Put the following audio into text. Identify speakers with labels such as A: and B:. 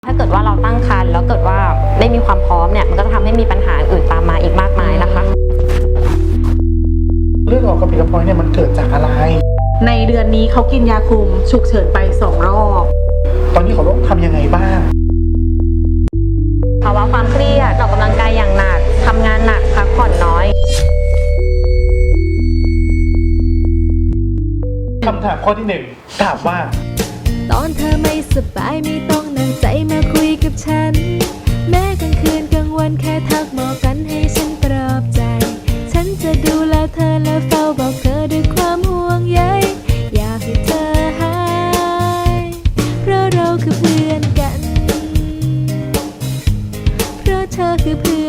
A: ถ้าเกิดว่าเราตั้งครรภ์แล้วเกิดว่าไม่มีความพร้อมเนี่ยมันก็จะทำให้มีปัญหาอื่นตามมาอีกมากมายนะคะ
B: เลือดออกกระปิดกระปอยเนี่ยมันเกิดจากอะไร
C: ในเดือนนี้เขากินยาคุมฉุกเฉินไป2 รอบ
B: ตอนนี้เขาต้องทำยังไงบ้าง
A: ภาวะความเครียดออกกำลังกายอย่างหนักทำงานหนักพักผ่อนน้อย
B: คำถามข้อที่1ถามว่า
D: ตอนเธอไม่สบายไม่ต้องนั่งใจมาคุยกับฉันแม้กลางคืนกลางวันแค่ทักบอกกันให้ฉันปลอบใจฉันจะดูแลเธอและเฝ้าบอกเธอด้วยความห่วงใยอยากให้เธอหายเพราะเราคือเพื่อนกันเพราะเธอคือเพื่อน